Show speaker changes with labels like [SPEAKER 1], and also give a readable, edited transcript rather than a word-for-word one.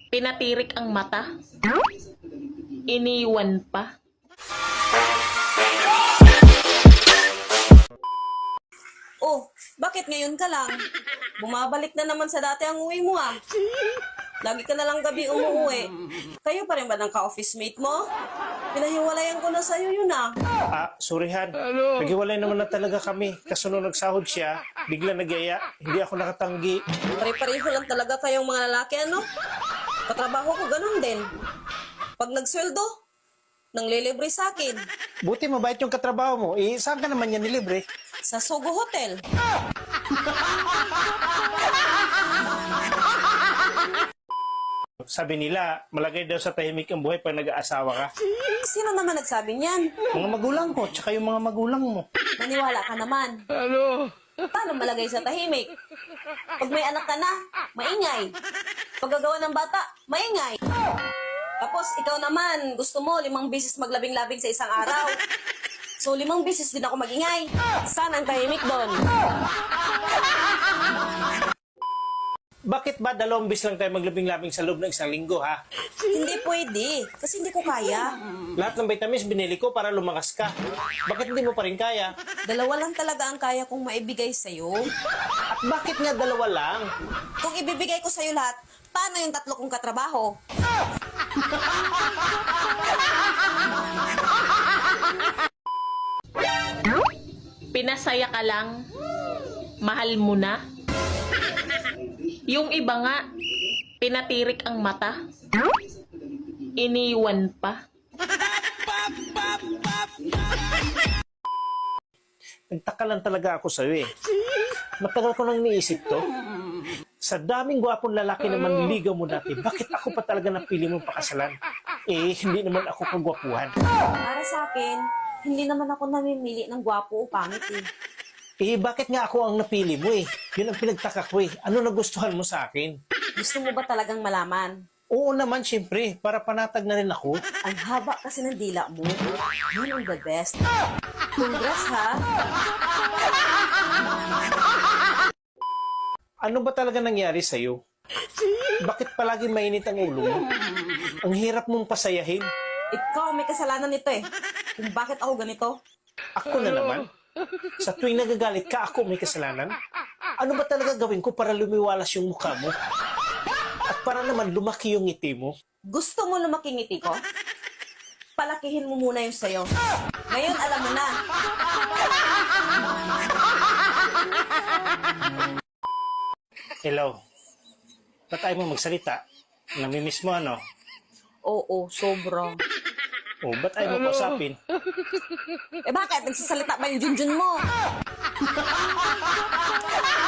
[SPEAKER 1] Pinatirik ang mata. Iniwan pa.
[SPEAKER 2] Oh, bakit ngayon ka lang? Bumabalik na naman sa dati ang uwi mo ah. Lagi ka na lang gabi umuwi. Kayo pa rin ba ng ka-office mate mo? Pinahiwalayan ko na sa'yo yun ah.
[SPEAKER 3] Sorry Han. Naghiwalay naman na talaga kami. Kaso nung nagsahod siya, bigla nagyaya. Hindi ako nakatanggi.
[SPEAKER 2] Pare-pareho lang talaga kayong mga lalaki ano? Katrabaho ko ganun din. Pag nagsweldo, nang lilibre sa akin.
[SPEAKER 3] Buti mabait yung katrabaho mo. Saan ka naman yan nilibre?
[SPEAKER 2] Sa Sogo Hotel.
[SPEAKER 3] Sabi nila, malagay daw sa tahimik ang buhay pag nag-aasawa ka.
[SPEAKER 2] Sino naman nagsabi niyan?
[SPEAKER 3] Mga magulang ko, tsaka yung mga magulang mo.
[SPEAKER 2] Maniwala ka naman. Paano malagay sa tahimik? Pag may anak ka na, maingay. Paggagawa ng bata, maingay. Tapos ikaw naman, gusto mo 5 beses maglabing-labing sa isang araw. So 5 beses din ako magingay. Saan ang tahimik doon?
[SPEAKER 3] Bakit ba 2 beses lang tayo maglabing-labing sa loob ng isang linggo, ha?
[SPEAKER 2] Hindi pwede, kasi hindi ko kaya.
[SPEAKER 3] Lahat ng vitamins binili ko para lumakas ka. Bakit hindi mo pa rin kaya?
[SPEAKER 2] 2 lang talaga ang kaya kong maibigay sa'yo.
[SPEAKER 3] At bakit nga 2 lang?
[SPEAKER 2] Kung ibibigay ko sa'yo lahat, paano yung 3 kong katrabaho?
[SPEAKER 1] Pinasaya ka lang. Mahal mo na. Yung iba nga, pinatirik ang mata. Iniwan pa.
[SPEAKER 3] Nagtaka lang talaga ako sa'yo eh. Matagal ko nang niisip to. Sa daming gwapong lalaki na manliligaw mo dati, bakit ako pa talaga napili mong pakasalan? Hindi naman ako kagwapuhan.
[SPEAKER 2] Para sa akin, hindi naman ako namimili ng gwapo o pangit eh.
[SPEAKER 3] Bakit nga ako ang napili mo eh? Yun ang pinagtaka ko eh. Ano nagustuhan mo sa akin?
[SPEAKER 2] Gusto mo ba talagang malaman?
[SPEAKER 3] Oo naman, syempre. Para panatag na rin ako.
[SPEAKER 2] Ang haba kasi ng dila mo. Yun ang the best. Congrats ha?
[SPEAKER 3] Ano ba talaga nangyari sa'yo? Bakit palagi mainit ang ulo mo? Ang hirap mong pasayahin.
[SPEAKER 2] Ikaw may kasalanan nito eh. Kung bakit ako ganito?
[SPEAKER 3] Ako na naman. Sa tuwing nagagalit ka, ako may kasalanan. Ano ba talaga gawin ko para lumiwalas yung mukha mo? At para naman lumaki yung ngiti mo?
[SPEAKER 2] Gusto mo lumaki ngiti ko? Palakihin mo muna yung sayo. Ngayon alam mo na.
[SPEAKER 3] Hello. Ba't ayaw mo magsalita? Namimiss mo ano?
[SPEAKER 2] Oo, sobra.
[SPEAKER 3] Ba't ayaw mo kausapin?
[SPEAKER 2] Eh bakit? Nagsasalita ba yung junjun mo?